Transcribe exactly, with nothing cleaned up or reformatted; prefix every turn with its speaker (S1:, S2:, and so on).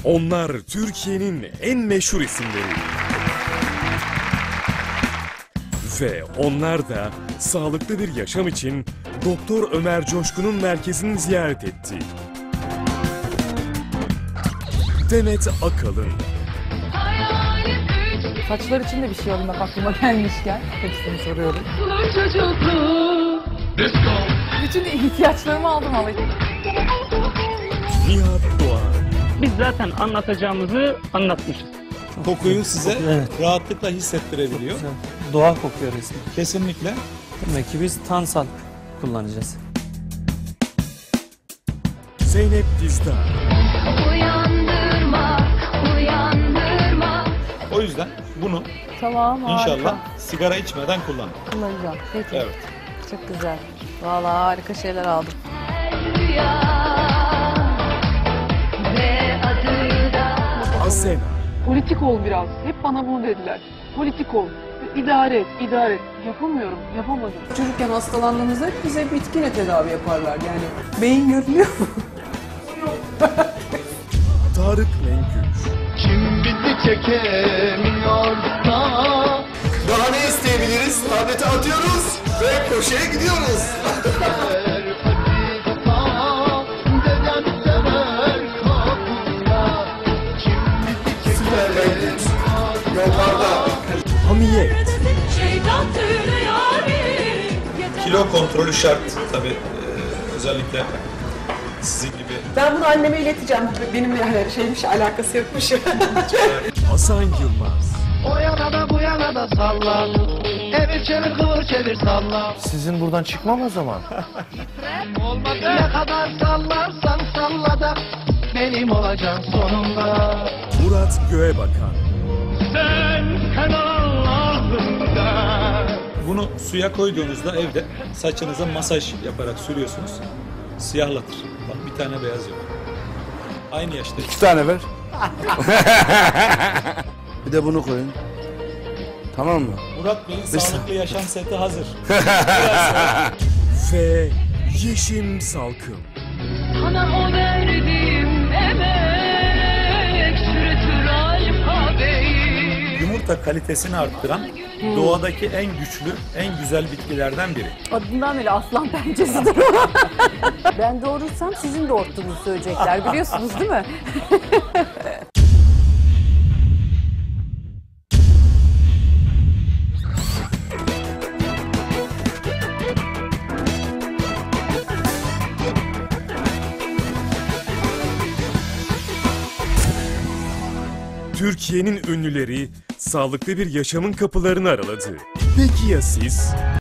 S1: Onlar Türkiye'nin en meşhur isimleri. Ve onlar da sağlıklı bir yaşam için Doktor Ömer Coşkun'un merkezini ziyaret etti. Demet Akalın.
S2: Saçlar için de bir şey alın aklıma gelmişken hepsini soruyorum. Bütün ihtiyaçlarımı aldım ama.
S1: Nihat Doğan.
S3: Biz zaten anlatacağımızı anlatmışız.
S4: Kokuyu size
S5: Evet.
S4: rahatlıkla hissettirebiliyor.
S5: Doğal kokuyor resmen.
S4: Kesinlikle.
S5: Demek ki biz Tansal kullanacağız.
S1: Zeynep Dizdar.
S6: Uyandırma, uyandırma.
S4: O yüzden bunu
S2: Tamam, harika.
S4: inşallah sigara içmeden kullanın.
S2: Kullanacağım. Peki.
S4: Evet.
S2: Çok güzel. Vallahi harika şeyler aldım.
S6: Rüya ve adı da
S1: Asena.
S7: Politik ol biraz. Hep bana bunu dediler. Politik ol. İdare et, idare et. Yapamıyorum, yapamadım.
S8: Çocukken hastalandığımızda hep bize bitkiyle tedavi yaparlar yani. Beyin görünüyor mu?
S1: Tarık Mengüç.
S9: Kim bizi çekemiyor da.
S10: Daha ne isteyebiliriz? Tableti atıyoruz ve koşuya gidiyoruz. Süper Mengüç. Yollarda.
S1: Hamiyet.
S4: Kilo kontrolü şart tabii, özellikle sizin gibi.
S8: Ben bunu anneme ileteceğim. Benimle yani şeymiş, alakası yokmuş.
S1: Hasan Yılmaz.
S9: O yana da bu yana da salla. Evir çevir kıvır çevir salla.
S10: Sizin buradan çıkmam o zaman.
S9: Olmadı. Ne kadar sallarsan salla da benim olacaksın sonunda.
S1: Murat Göğebakan.
S9: Sen sen Allah'ında.
S4: Bunu suya koyduğunuzda evde saçınıza masaj yaparak sürüyorsunuz. Siyahlatır. Bak bir tane beyaz yok. Aynı yaşta.
S10: İki tane ver. Bir de bunu koyun. Tamam mı?
S4: Murat Bey'in sağlıklı yaşam seti hazır.
S1: Ve Yeşim Salkım.
S6: sana o verdiğim emek çürütür alfabeyi.
S4: Yumurta kalitesini arttıran doğadaki en güçlü, en güzel bitkilerden biri.
S2: Adından beri aslan pençesidir o. Ben doğurursam sizin doğurttuğunuzu söyleyecekler biliyorsunuz değil mi?
S1: Türkiye'nin ünlüleri sağlıklı bir yaşamın kapılarını araladı. Peki ya siz?